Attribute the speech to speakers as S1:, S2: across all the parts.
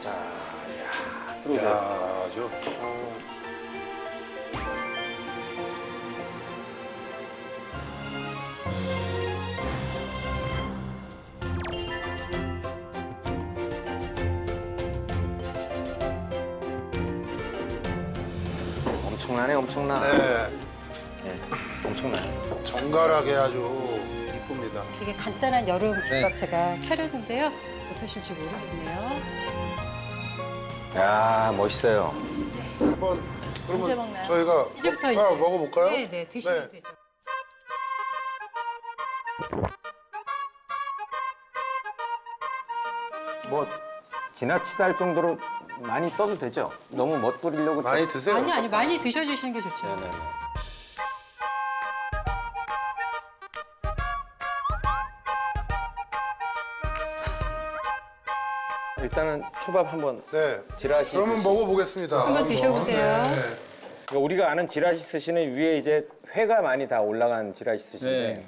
S1: 자, 야, 들어오세요.
S2: 야,
S1: 엄청나네, 엄청나.
S2: 네,
S1: 네, 엄청나요.
S2: 정갈하게 아주 이쁩니다.
S3: 되게 간단한 여름 집밥
S4: 네.
S3: 제가 차렸는데요. 어떠실지 모르겠네요.
S1: 야, 멋있어요.
S2: 한번 그러면
S5: 언제 먹나요?
S2: 저희가
S3: 이제부터
S2: 하나
S3: 이제
S2: 먹어볼까요?
S3: 네, 네, 드시면
S2: 네.
S3: 되죠.
S1: 뭐 지나치다 할 정도로 많이 떠도 되죠? 너무 멋부리려고.
S2: 많이 드세요.
S3: 아니 많이 드셔주시는 게 좋죠.
S1: 네네. 일단은 초밥 한번
S2: 네.
S1: 지라시.
S2: 그러면 먹어보겠습니다.
S3: 한번 드셔보세요.
S2: 네.
S1: 그러니까 우리가 아는 지라시 스시는 위에 이제 회가 많이 다 올라간 지라시 스시인데.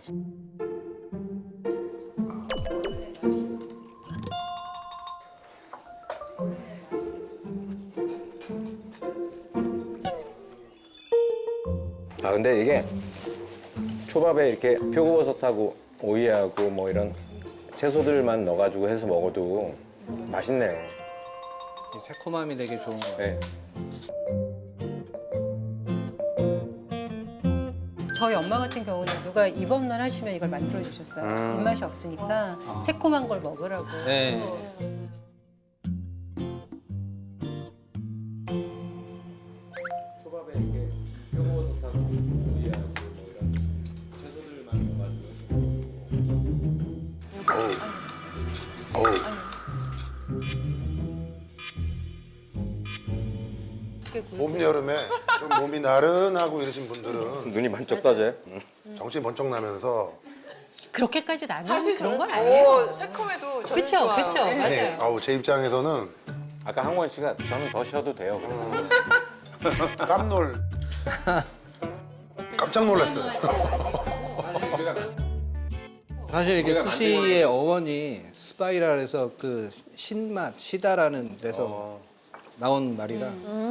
S1: 아 근데 이게 초밥에 이렇게 표고버섯하고 오이하고 뭐 이런 채소들만 넣어가지고 해서 먹어도 맛있네요.
S4: 이 새콤함이 되게 좋은 거 같아요.
S1: 네.
S3: 저희 엄마 같은 경우는 누가 입원만 하시면 이걸 만들어 주셨어요. 입맛이 없으니까 새콤한 걸 먹으라고.
S4: 네.
S1: 초밥에 이렇게 표고버섯하고 오이하고 뭐 이런 채소들만 넣어가지고.
S2: 어우,
S3: 그
S2: 봄, 여름에 좀 몸이 나른하고 이러신 분들은
S1: 눈이 반짝 떠져요.
S2: 정신이 번쩍 나면서
S3: 그렇게까지 나누는 그런 건 아니에요.
S5: 새콤해도 저는
S3: 그쵸,
S5: 좋아요.
S3: 그쵸.
S5: 네.
S2: 네.
S3: 맞아요.
S2: 아우, 제 입장에서는
S1: 아까 항원 씨가 저는 더 쉬어도 돼요.
S2: 깜짝 놀랐어요.
S4: 사실 이게 스시의 어원이 스파이랄에서 그 신맛, 시다라는 데서 나온 말이라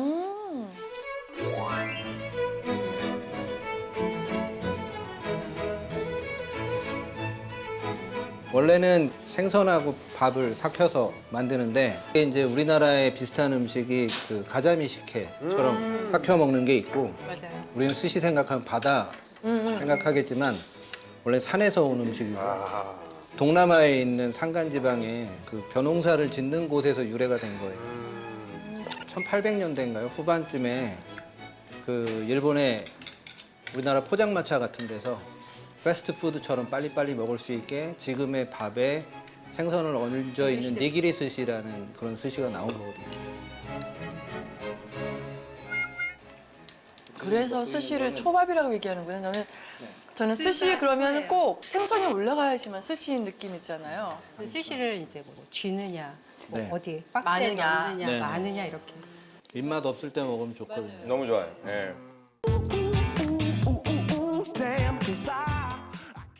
S4: 원래는 생선하고 밥을 삭혀서 만드는데 이게 이제 우리나라에 비슷한 음식이 그 가자미 식혜처럼 삭혀 먹는 게 있고
S3: 맞아요.
S4: 우리는 스시 생각하면 바다 생각하겠지만 원래 산에서 온 음식이고
S2: 아,
S4: 동남아에 있는 산간지방에 그 벼농사를 짓는 곳에서 유래가 된 거예요. 1800년대인가요? 후반쯤에 그 일본의 우리나라 포장마차 같은 데서 패스트푸드처럼 빨리빨리 먹을 수 있게 지금의 밥에 생선을 얹어 있는 니기리 스시라는 그런 스시가 나온 거거든요.
S5: 그래서 스시를 초밥이라고 얘기하는구나. 저는 스시 그러면 꼭 생선이 올라가야지만 스시인 느낌 있잖아요.
S3: 스시를 이제 뭐 쥐느냐, 뭐
S4: 네.
S3: 어디 박스에
S5: 많으냐.
S3: 넣느냐,
S4: 네.
S3: 많으냐 이렇게.
S4: 입맛 없을 때 먹으면 좋거든요.
S1: 너무 좋아요. 예.
S6: Damn, 'cause I